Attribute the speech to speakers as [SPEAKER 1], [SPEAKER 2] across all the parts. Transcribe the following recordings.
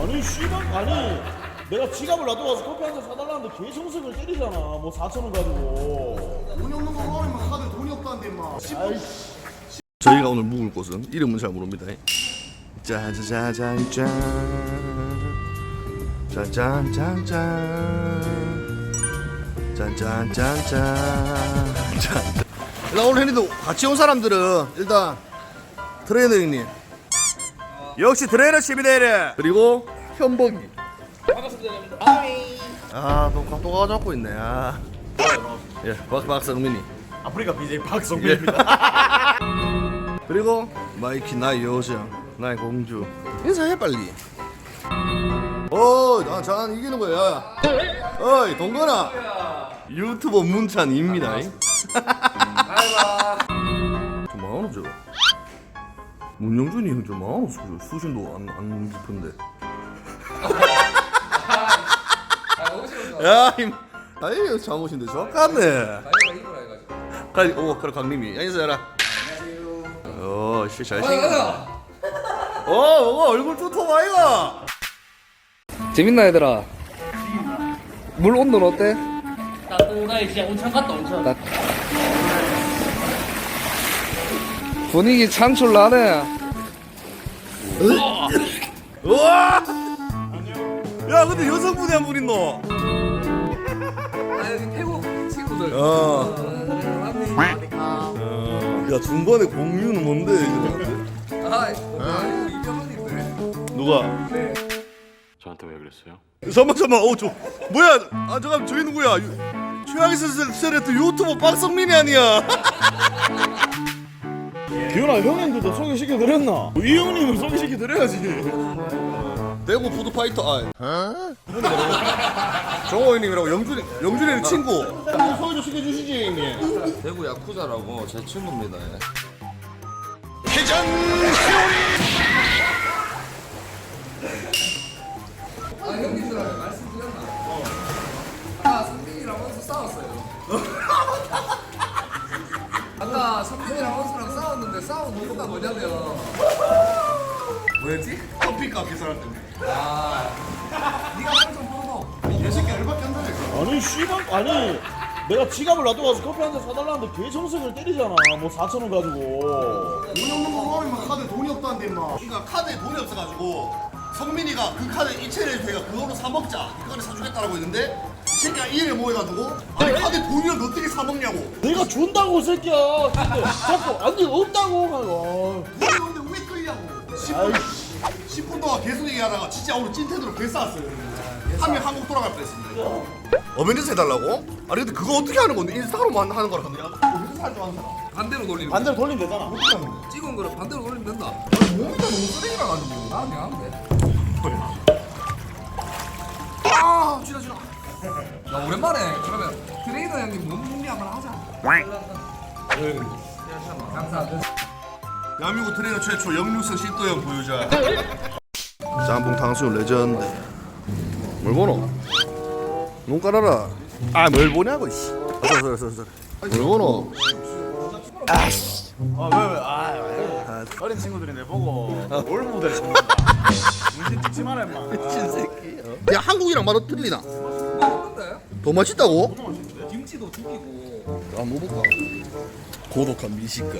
[SPEAKER 1] 아니 씨발 아니 내가 지갑을 놔둬가지고 커피 한 잔 사달라는데 개 정색을 때리잖아. 뭐 4,000원 가지고.
[SPEAKER 2] 돈이 없는 거 말하면 다들 돈이 없다는데 마.
[SPEAKER 3] 저희가 오늘 묵을 곳은 이름은 잘 모릅니다. 짜자자잔짠 짠짠짠짠 짠짠짠짠. 일단 오늘 혜리도 같이 온 사람들은 일단 트레이너 형님, 역시 트레이너 11대1 그리고 현복이. 반갑습니다. 또 가져갖고 있네. 예, 박성민이.
[SPEAKER 1] 아프리카 BJ 박성민입니다.
[SPEAKER 3] 그리고 마이키 나의 여정, 나의 공주. 인사해 빨리. 난 이기는 거야. 어이 동건아. 유튜버 문찬입니다. 좀 많아 저거. 문영준이 형 좀 많아. 수준도 안 깊은데. 야, 아이 잠옷인데 좋겠네. 그래 강림이 인사해라. 씨 잘생겼다. 뭐가 얼굴 뚜토 아이가.
[SPEAKER 4] 재밌나 얘들아? 물 온도는 어때?
[SPEAKER 5] 따뜻하게 진짜 온천 같다 온천.
[SPEAKER 4] 분위기 창출 나네.
[SPEAKER 3] 우와. 야 근데 여성분이 한 분 있노?
[SPEAKER 4] 아 여기 태국 친구들.
[SPEAKER 3] 야 중간에 공유는 뭔데 이거?
[SPEAKER 4] 이병헌인데.
[SPEAKER 3] 누가?
[SPEAKER 6] 저한테 왜 그랬어요?
[SPEAKER 3] 잠깐만 뭐야? 잠깐 저기 누구야? 최악의 세레트 유튜버 박성민이 아니야?
[SPEAKER 1] 기훈아 형님들도 소개시켜드렸나? 이 형님을 소개시켜드려야지.
[SPEAKER 3] 대구 푸드파이터 정호 형님이라고 영준이는 친구. 소개 좀 시켜주시지 형님.
[SPEAKER 4] 대구 야쿠자라고 제 친구입니다.
[SPEAKER 3] 회전
[SPEAKER 4] 형님들한테 말씀드렸나? 아까 성빈이랑 원수 싸웠어요. 아까 성빈이랑 원수랑 싸웠는데 싸운 이유가 뭐냐면 뭐였지?
[SPEAKER 3] 커피값 계산할 때문에.
[SPEAKER 4] 네가 설정 풀어봐.
[SPEAKER 2] 이 새끼 얼마밖에 안 되네.
[SPEAKER 1] 아니 씨발 아니 내가 지갑을 놔둬가지고 커피 한 잔 사달라는데 개 정색을 때리잖아. 뭐 4,000원 가지고.
[SPEAKER 2] 돈이 없는 거 말하면 다들 돈이 없다는데 마.
[SPEAKER 3] 그러니까 카드에 돈이 없어가지고 성민이가 그 카드 이체를 제가 그거로 사 먹자 이거를 사주겠다라고 했는데 이 새끼가 이를 모여다 두고 아니 카드에 돈이랑 어떻게 사 먹냐고.
[SPEAKER 1] 내가 준다고 이 새끼야. 근데 자꾸 안돼 없다고 하고.
[SPEAKER 2] 돈이 없는데 왜 끌냐고. 10분 동안 계속 얘기하다가 진짜 오늘 찐텐으로 개 쌓았어요. 한 명 한국 돌아갈 뻔했습니다.
[SPEAKER 3] 어벤져스 해달라고? 아니 근데 그거 어떻게 하는 건데? 인스타로만 하는 거라 하는데
[SPEAKER 2] 어디서 살줄 아는 사람?
[SPEAKER 4] 반대로 돌리면
[SPEAKER 1] 반대로 돌리면 되잖아.
[SPEAKER 2] 어떻게 하는 거야?
[SPEAKER 4] 찍은 거를 반대로 돌리면 된다.
[SPEAKER 2] 몸도 너무 쓰레기라 가지고.
[SPEAKER 4] 나 그냥 하면 돼.
[SPEAKER 2] 지나.
[SPEAKER 4] 야 오랜만에 그러면 트레이너 형님 몸 준비 한번 하자. 감사합니다.
[SPEAKER 3] 대한민국 트레이너 최초 역류성 식도염 보유자. 짬뽕 탕수육 레전드. 뭘 보노? 눈 깔아라. 뭘 보냐고 씨. 서서. 뭘 보노?
[SPEAKER 1] 어린 친구들이 내 보고 올 모델 찾는다. 문신 찍지 마라 임마.
[SPEAKER 3] 미친 새끼. 야 한국이랑 맛 틀리나?
[SPEAKER 4] 먹는데?
[SPEAKER 3] 더 맛있다고?
[SPEAKER 4] 김치도 죽이고.
[SPEAKER 3] 한번 먹어볼까? 고독한 미식가.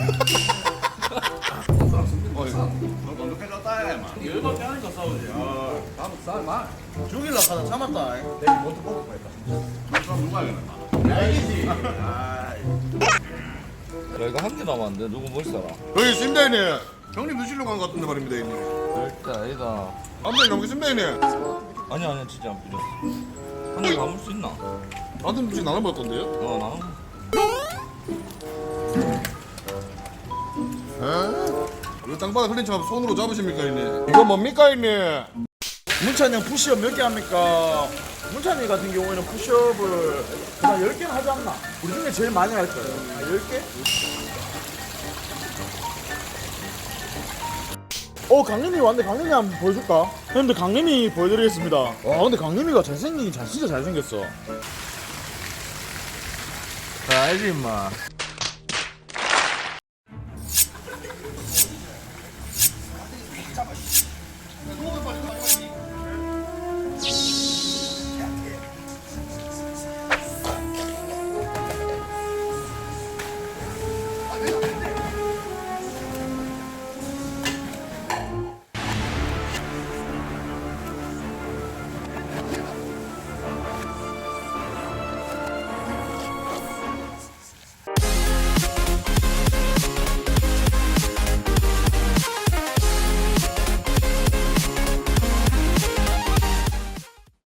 [SPEAKER 1] 완벽해졌다 임마. 열받게 하니까 싸우지.
[SPEAKER 4] 쌀 말.
[SPEAKER 1] 죽일라 하다 참았다. 내가 먼저 뽑을 거야. 그럼 누가 하겠나? 알겠지.
[SPEAKER 4] 야 이거 한 개 남았는데 누구 못 살아?
[SPEAKER 3] 여기 있습니다 형님. 형님 드시려고 한 것 같은데 말입니다 형님.
[SPEAKER 4] 절대 아니다.
[SPEAKER 3] 한번 남겠습니다 형님.
[SPEAKER 4] 아니야 진짜 안 필요. 한 개 남을 수 있나?
[SPEAKER 3] 아들 음식 나눠 먹을 건데요?
[SPEAKER 4] 나는.
[SPEAKER 3] 왜 땅바닥 흘린 척 손으로 잡으십니까 형님? 이거 뭡니까 형님?
[SPEAKER 1] 문찬이 형 푸시업 몇 개 합니까? 문찬이 같은 경우에는 푸시업을 한 10개는 하지 않나? 우리 중에 제일 많이 할 거예요. 10개? 강림이 왔는데 강림이 한번 보여줄까? 형님들 강림이 보여드리겠습니다. 와 근데 강림이가 잘생기긴 진짜 잘생겼어.
[SPEAKER 4] 알지 임마.